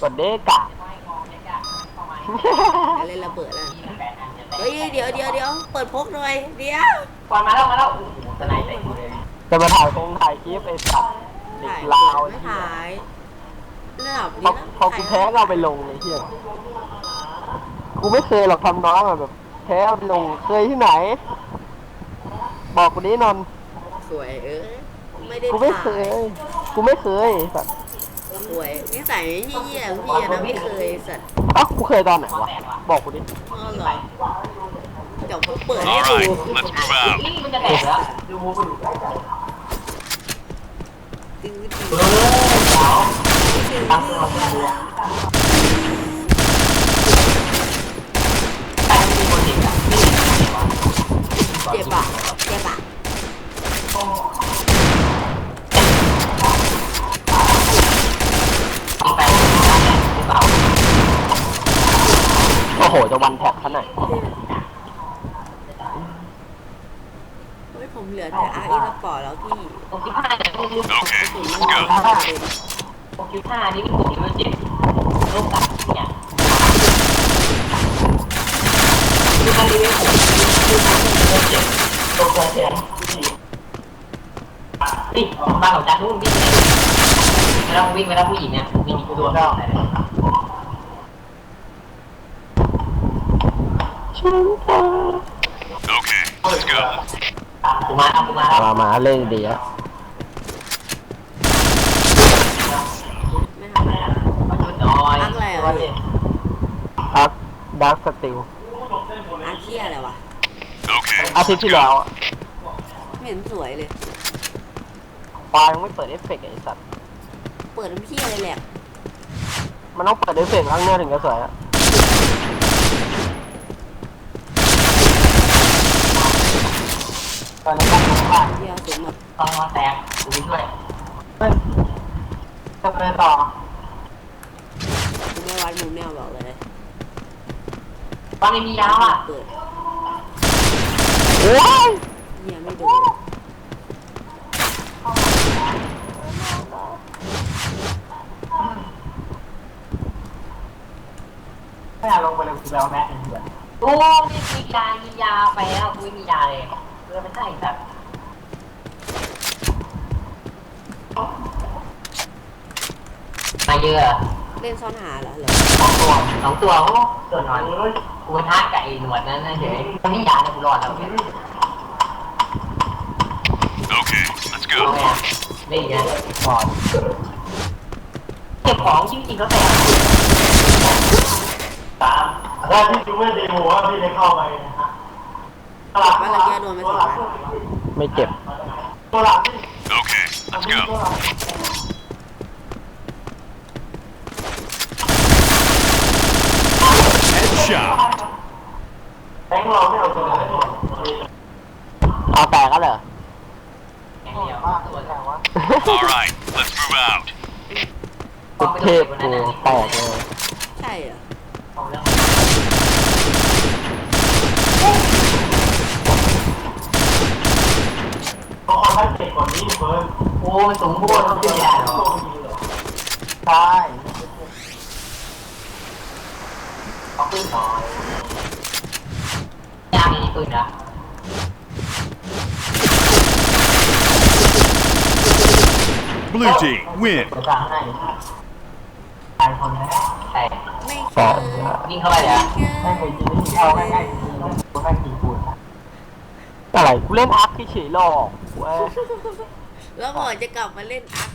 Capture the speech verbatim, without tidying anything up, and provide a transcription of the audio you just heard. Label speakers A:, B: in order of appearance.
A: กดเด็กอะ
B: อะไรระเบิดอ่ะเฮ้ยเดี๋ยวเดี๋ยวเดี๋ยวเปิดพกหน่อยเดี๋ยว
C: ก่อนมาแล้วมาแล้วโอ้โหสไนเปอร์เลย
A: จะมาถ่ายคงถ่ายคลิปไอ้สัตว์เด็
B: ถ่าก ย
A: ลาว
B: ไม่ถ่ายระดับ
A: พอ
B: นี้
A: พอกูแพ้เราไปลงไอ้เหี้ยกูไม่เคยหรอกทำน้องอะแบบแพ้เอาไปลงเคยที่ไหน บอกกูนี้นนท์
B: สวยเออไม่ได้
A: กูไม่
B: ถ่า
A: เค
B: ย
A: ยกูไม่เคยสัตว์
B: สวยนิสัยเหี้ยๆพี่อะนะไม่เคยสัตว์
A: เอ้ากูเคยตอนไหนวะบอกกูดิ
B: อ๋อเหรอเดี๋ยวผมเปิดให้
D: All
B: ดู
D: right, let's move out.
C: นี่มันจะแตกแล้วดูมูมันอยู่ใกล้กัน
B: ตื้อ
C: เออเดี๋ยวตั้งตัวมาดูแต่ไม่มีคนเด็กอ่ะไม่มีคนเด็กวะ
B: เจ็บปะเจ็บปะ
C: มีแฟนหรือเปล่า
A: โอ้โหจะวันแท็กขนาด
B: เฮ้ยผมเหลือแต่อาร์อีสปอร์ตแล้วพี่
C: หกสิบห้าเนี่ยพวกนี้
D: Okay,
B: ถึง
D: let's
B: มัน
D: go.
B: ประเด็น
C: หกสิบห้านี่เป็นกลุ่มที่มันเจ็บโรคตับเนี่ยคือมันรีเวลผมคือมันเจ็บตัวตัวเจ็บนี่บ้านของจันทร์นู่นวิ่งไปไม่ต้องวิ่งไปแล้วผู้หญิงเนี่ยมีกูโดนแล้ว
D: Okay, let's go.
C: กูมาแล้วกูมาแล้ว
A: มามาเล่นดีอะ
B: ไม่ทำอะไร
C: มาจุดน้อย
A: พักดักสติล
B: อาร์เคียอะไรวะ
D: Okay,
A: อาทิตย์
D: let's
A: ที่แล้ว
D: go.
A: อะ
B: ไม่เห็นสวยเลย
A: ปลายยังไม่เปิดเอฟเฟกต์ไอ้สัตว์
B: เปิดน้ำพี่อะไรแหลก
A: มันต้องเปิดเอฟเฟกต์ข้างหน้าถึงจะสวยอะ
C: ตอนนี้ก็ผมว่า
B: เดียวสูงหมด
C: ต้องมาแตกดูด้วยเฮ้ยจะไปต่อ
B: กูไม่วัดมุมแนวบอกเลย
C: ตอนนี้มียาวอ่ะ
B: เปิด
A: โอ้ย
B: เหี้ยไม่โดน
C: ไม่อยากลงไปเลยกูแบลแม็กซ์เพื่อนโอ้มีมียามียาไปแล้วกูไม่มียาเลยเพื่อไม่ใช่แบบมาเยอะ
B: เล่นซ่อนหาเหรอเหรอ
C: สองตัวสองตัวโอ้ตัวน้อยกูท้าไก่หนวดนั่นนะเฉยมันไม่ยาเลยกูรอดแล้วเนี่ย
D: Okay, let's
C: เอา
D: go.
C: ไงนี่ไงบอดเก็บของจริงๆก็แต่ตามถ้าพี่ดูไม่ดีหัวพี่จะเข้าไปนะฮะ
B: ว่าเราแก้โดนไปสองนัด
A: ไม่เจ็บ
C: ตัวหลัง
D: Okay, let's go. Headshot.
C: แบงค์เราไม่เอาตัวไหน
A: เอาแตกก็เหรอ
C: แบงค์เดียวตัวแค่วะ
D: All right, let's move out.
A: สุดเทพกูแตกเลย
B: ใช่เหรอ
C: เขาค่อยเจ็บกว่านี้เฟิร์นโอ้มันสูงโคตรต้องขึ้นยาเหรอใช่เอาขึ้นหน่อยยามีปืนนะ
D: Blue team, win.
C: จะสั่งให้ตายคนนะใช่
B: ไม่เค
A: แตก
B: ย
C: วิ่งเข้าไปเลยอ่ะไม่เคยกินไม่เข้าง่ายๆกูแม่งกินปูน
A: อะไรกูเล่นอาร์คเฉยๆหรอกเว้ย
B: แล้วบอกจะกลับมาเล่นอาร์ค